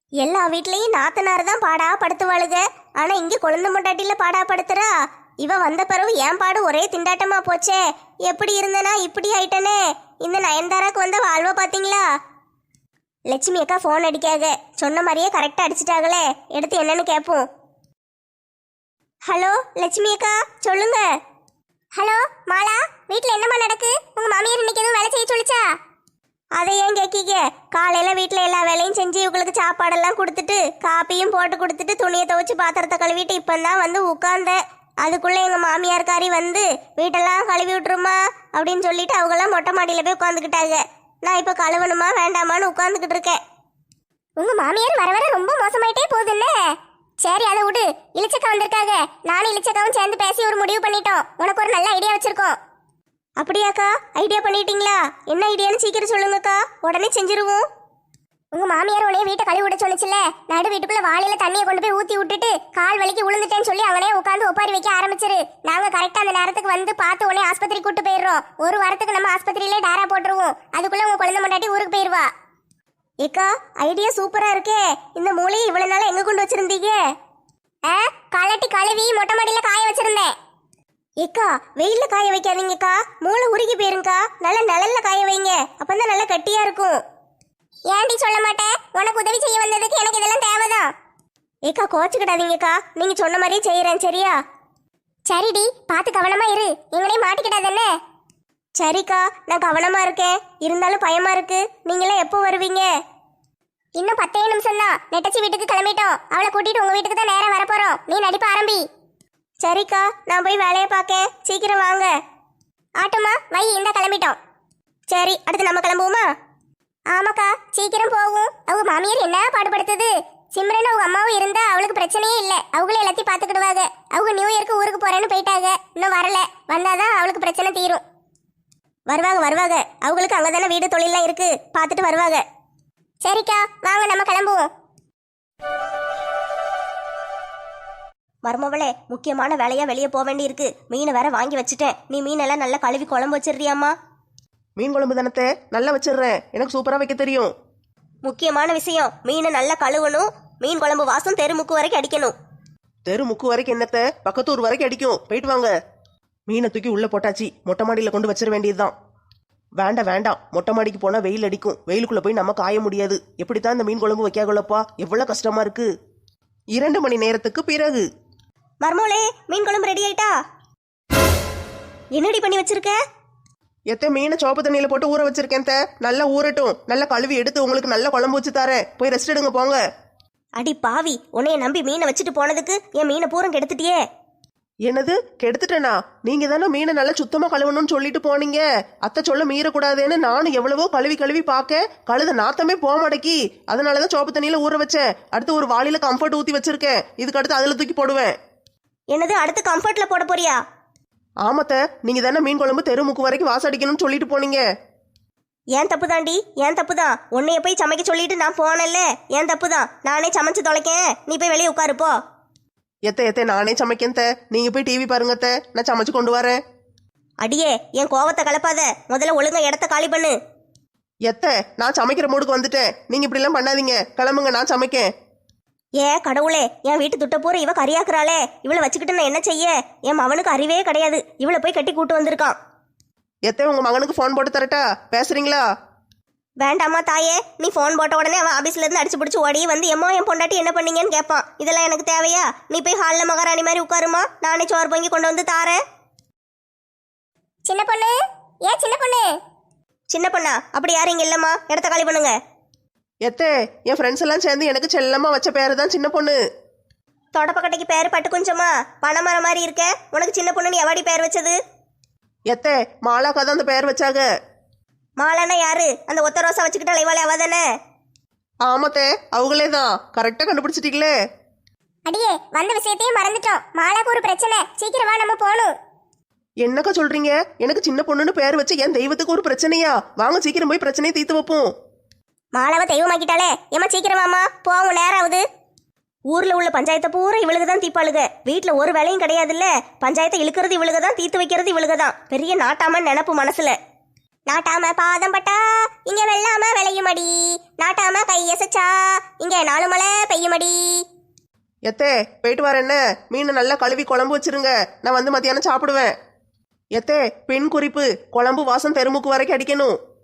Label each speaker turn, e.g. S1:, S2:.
S1: எல்லா வீட்லயும் நாத்தனார் தான் பாடா படுத்துவாளுக. ஆனா இங்க கொழுந்து முண்டாட்டில பாடா படுத்துறா. இவ வந்த பிறகு என் பாடு ஒரே திண்டாட்டமா போச்சே. எப்படி இருந்தனா இப்படி ஆயிட்டனே. இந்த நயன்தாராக்கு வந்த வாழ்வ பாத்தீங்களா? லட்சுமி அக்கா போன் அடிக்காக. சொன்ன மாதிரியே கரெக்டா அடிச்சிட்டாங்களே. எடுத்து என்னன்னு கேட்போம். ஹலோ லட்சுமி அக்கா, சொல்லுங்க. ஹலோ மாலா, வீட்ல என்னமா நடக்கு? உங்க மாமியார் இன்னைக்கு எதுவும் வேலை செய்ய சொல்லிச்சா? அதை ஏன் கேட்கீங்க? காலையில வீட்டில் எல்லா வேலையும் செஞ்சு இவங்களுக்கு சாப்பாடெல்லாம் கொடுத்துட்டு காப்பியும் போட்டு கொடுத்துட்டு துணியை துவைச்சு பாத்திரத்தை கழுவிட்டு இப்போதான் வந்து உட்கார்ந்தேன். அதுக்குள்ளே எங்கள் மாமியார்காரி வந்து வீட்டெல்லாம் கழுவி விட்டுருமா அப்படின்னு சொல்லிட்டு அவங்கெல்லாம் மொட்டை மாடியில் போய் உட்காந்துக்கிட்டாங்க. நான் இப்போ கழுவணுமா வேண்டாமான்னு உட்காந்துக்கிட்டு இருக்கேன். உங்கள் மாமியார் வர வர ரொம்ப மோசமாயிட்டே போகுதுல்ல. சரி அதை விடு. இளிச்சக்கா வந்திருக்காங்க. நானும் இளிச்சக்காவும் சேர்ந்து பேசி ஒரு முடிவு பண்ணிட்டோம். உனக்கு ஒரு நல்ல ஐடியா வச்சிருக்கோம். அப்படியாக்கா? ஐடியா பண்ணிட்டீங்களா? என்ன ஐடியான்னு சீக்கிரம் சொல்லுங்கக்கா, உடனே செஞ்சிருவோம். உங்க மாமியார் உடனே வீட்டை கழுவி விட சொல்லிச்சுல. நடு வீட்டுக்குள்ள வாளியில தண்ணியை கொண்டு போய் ஊத்தி விட்டுட்டு கால் வலிக்கு விழுந்துட்டேன்னு சொல்லி அவனே உட்காந்து ஒப்பாரி வைக்க ஆரம்பிச்சிரு. நாங்க கரெக்டா அந்த நேரத்துக்கு வந்து பார்த்து உடனே ஆஸ்பத்திரி கூட்டு போயிடுறோம். ஒரு வாரத்துக்கு நம்ம ஆஸ்பத்திரியிலே டேரா போட்டுருவோம். அதுக்குள்ள உங்க குழந்தை மண்டாட்டி ஊருக்கு போயிருவா. ஏக்கா ஐடியா சூப்பரா இருக்கே. இந்த மூளையை இவ்வளவு நாள எங்க கொண்டு வச்சிருந்தீங்க? கலட்டி கழுவி மொட்டை மாடியில காய வச்சிருந்தேன். ஏக்கா வெயில்ல காய வைக்காதீங்கக்கா, மூளை உருகி போயிருங்கக்கா. நல்ல நிழல்ல காய வைங்க, அப்பதான் நல்லா கட்டியா இருக்கும். ஏன்டி சொல்ல மாட்டேன்? உனக்கு உதவி செய்ய வந்ததுக்கு எனக்கு இதெல்லாம் தேவைதான். ஏக்கா கோச்சுக்கிடாதீங்கக்கா, நீங்க சொன்ன மாதிரியே செய்யறேன் சரியா? சரிடி, பார்த்து கவனமா இரு, எங்களையும் மாட்டிக்கிட்டாதானே. சரிக்கா நான் கவனமா இருக்கேன். இருந்தாலும் பயமா இருக்கு. நீங்களாம் எப்போ வருவீங்க? இன்னும் 10 நிமிஷம் தான். நெட்டச்சி வீட்டுக்கு கிளம்பிட்டோம். அவளை கூட்டிட்டு உங்க வீட்டுக்கு தான் நேரம் வரப்போறோம். நீ நடிப்ப ஆரம்பி. சரிக்கா நான் போய் வேலையை பார்க்கேன். சீக்கிரம் வாங்க. ஆட்டோமா வை, இந்த கிளம்பிட்டோம். சரி அடுத்து நம்ம கிளம்புவோமா? ஆமாக்கா சீக்கிரம் போகும். அவங்க மாமியார் என்ன பாடுபடுத்துது. சிம்ரன் அவங்க அம்மாவும் இருந்தா அவளுக்கு பிரச்சனையே இல்லை. அவங்களே எல்லாத்தையும் பார்த்துக்கிடுவாங்க. அவங்க நியூ இயருக்கு ஊருக்கு போறேன்னு போயிட்டாங்க. இன்னும் வரல. வந்தாதான் அவளுக்கு பிரச்சனை தீரும். வருவாங்க வருவாங்க. அவங்களுக்கு அங்கதானே வீடு தொழிலாம் இருக்கு, பார்த்துட்டு வருவாங்க. சரிக்கா வாங்க நம்ம கிளம்புவோம். மருமவளே, முக்கியமான வேலையா வெளியே போக வேண்டி இருக்கு. மீனை வேற வாங்கி வச்சுட்டேன். நீ மீனெல்லாம் நல்லா கழுவி குழம்பு வச்சிடுறியாம்மா?
S2: மீன் குழம்பு தானே, நல்லா வச்சிடுறேன். எனக்கு சூப்பரா வைக்க தெரியும்.
S1: முக்கியமான விஷயம், மீனை நல்லா கழுவணும். மீன் குழம்பு வாசம் தெருமுக்கு வரைக்கும் அடிக்கணும்.
S2: தெருமுக்கு வரைக்கும் என்னத்த, பக்கத்தூர் வரைக்கும் அடிக்கும். போயிட்டு வாங்க. மீனை தூக்கி உள்ள போட்டாச்சு. மொட்டை மாடியில கொண்டு வச்சிட வேண்டியதுதான். வேண்டாம் வேண்டாம், மொட்டை மாடிக்கு போனா வெயில் அடிக்கும். வெயிலுக்குள்ள போய் நம்ம காய முடியாது. எப்படித்தான் இந்த மீன் குழம்பு வைக்காகலப்பா, எவ்வளவு கஷ்டமா இருக்கு. 2 மணி நேரத்துக்கு பிறகு
S1: மர்மோளே, மீன் குழம்பு ரெடி ஆயிட்டா? என்னடி பண்ணி வச்சிருக்க?
S2: எத்த மீனை சோப்பு தண்ணியில போட்டு ஊற வச்சிருக்கேன். நல்லா ஊறட்டும். நல்லா கழுவி எடுத்து உங்களுக்கு நல்ல குழம்பு வச்சு தரேன். போய் ரெஸ்ட் எடுங்க போங்க.
S1: அடி பாவி, உன்னைய நம்பி மீனை வச்சுட்டு போனதுக்கு என் மீனை பூரம் கெடுத்துட்டியே.
S2: என்னது கெடுத்துட்டேனா? நீங்க தானே மீனை நல்லா சுத்தமா கழுவணும்னு சொல்லிட்டு போனீங்க. அத்தை சொல்ல மீறக்கூடாதுன்னு நானும் எவ்வளவோ கழுவி பார்க்க கழுத நாத்தமே போக மாட்டேக்கி. அதனாலதான் சோப்பு தண்ணியில ஊற வச்சேன். அடுத்து ஒரு வாளியில கம்ஃபர்ட் ஊத்தி வச்சிருக்கேன். இதுக்கு அடுத்து அதுல தூக்கி போடுவேன்.
S1: என்னது அடுத்து கம்ஃபர்ட்ல போட போறியா?
S2: ஆமாத்த, நீங்க தானே மீன் குழம்பு தெருமுக்கு வரைக்கும் வாசடிக்கணும்னு சொல்லிட்டு போனீங்க.
S1: ஏன் தப்பு தாண்டி, ஏன் தப்பு தான். உன்னைய போய் சமைக்க சொல்லிட்டு நான் போனேன்ல, ஏன் தப்பு தான். நானே சமைச்சு தொலைக்கேன். நீ போய் வெளியே உட்காருப்போ.
S2: எத்த நானே சமைக்கேன். நீங்க போய் டிவி பாருங்க. நான் சமைச்சு கொண்டு வரேன்.
S1: அடியே என் கோவத்தை கலப்பாத. முதல்ல ஒழுங்கா இடத்த காலி பண்ணு.
S2: நான் சமைக்கிற மூடுக்கு வந்துட்டேன். நீங்க இப்படி எல்லாம் பண்ணாதீங்க. கிளம்புங்க, நான் சமைக்கேன்.
S1: ஏ கடவுளே, என் வீட்டு துட்ட பூரா இவ கரியாக்குறாளே. இவளை வச்சுக்கிட்டு நான் என்ன செய்ய? என் மவனுக்கு அறிவே கிடையாது. இவளை போய் கட்டி கூட்டு வந்திருக்கான்.
S2: உங்க மகனுக்கு போன் போட்டு தரட்டா? பேசுறீங்களா?
S1: வேண்டாமா தாயே, நீ போன் போட்ட உடனே அவன் ஆபீஸ்ல இருந்து அடிச்சு பிடிச்சி ஓடி வந்து எம்மா என் பொண்டாட்டி என்ன பண்ணீங்கன்னு கேட்பான். இதெல்லாம் எனக்கு தேவையா? நீ போய் ஹாலில் மகாராணி மாதிரி உட்காருமா. நானே சோறு பொங்கி கொண்டு வந்து தாரேன். சின்ன பொண்ணு, ஏன் சின்ன பொண்ணு? சின்ன பொண்ணா? அப்படி யாரும் இங்க இல்லம்மா, இடத்த காலி பண்ணுங்க.
S2: என் ஃப்ரெண்ட்ஸ் எல்லாம் சேர்ந்து எனக்கு செல்லமா வச்ச பேரு தான் சின்ன பொண்ணு.
S1: தொடப்பக்கட்டைக்கு பேரு பட்டு கொஞ்சமா பணமரம் மாதிரி இருக்க. உனக்கு சின்ன பொண்ணுன்னு எவாடி பேர் வச்சது?
S2: மாலாக்கா தான் அந்த பேர் வச்சாங்க.
S1: மாலானா யாரு? அந்த ஒத்த ரோசா வச்சுக்கிட்ட இவாளே அவ தானே?
S2: ஆமாத்தே, அவங்களே தான். கரெக்டா கண்டுபிடிச்சிட்டீங்களே.
S1: அடியே வந்த விஷயத்தையும் மறந்துட்டோம். மாலாக்கு ஒரு பிரச்சனை. சீக்கிரம் வா, நம்ம போகணும்.
S2: என்னக்கா சொல்றீங்க? எனக்கு சின்ன பொண்ணுன்னு பேர் வச்சு என் தெய்வத்துக்கு ஒரு பிரச்சனையா? வாங்க சீக்கிரம் போய் பிரச்சனையை தீர்த்து வைப்போம்.
S1: மாலாவை தெய்வமாக்கிட்டாலே. ஏமா சீக்கிரம் வாமா, போவோம், நேரம் ஆகுது. ஊர்ல உள்ள பஞ்சாயத்தை பூரா இவளுக்கு தான் தீப்பாளுக. வீட்டுல ஒரு வேலையும் கிடையாது இல்ல. பஞ்சாயத்தை இழுக்கிறது இவளுக தான், தீர்த்து வைக்கிறது இவளுக தான். பெரிய நாட்டாம நினப்பு மனசுல. நாட்டாம பாதம் பட்டா இங்க வெள்ளாம விளையுமடி, நாட்டாம கையசச்சா இங்க 4 மலை பெய்யுமடி.
S2: எத்தே போயிட்டு வரேன். என்ன மீனை நல்லா கழுவி குழம்பு வச்சிருங்க, நான் வந்து மத்தியானம் சாப்பிடுவேன். எத்தே பெண் குறிப்பு, குழம்பு வாசம் தெருமுக்கு வரைக்கும் அடிக்கணும்.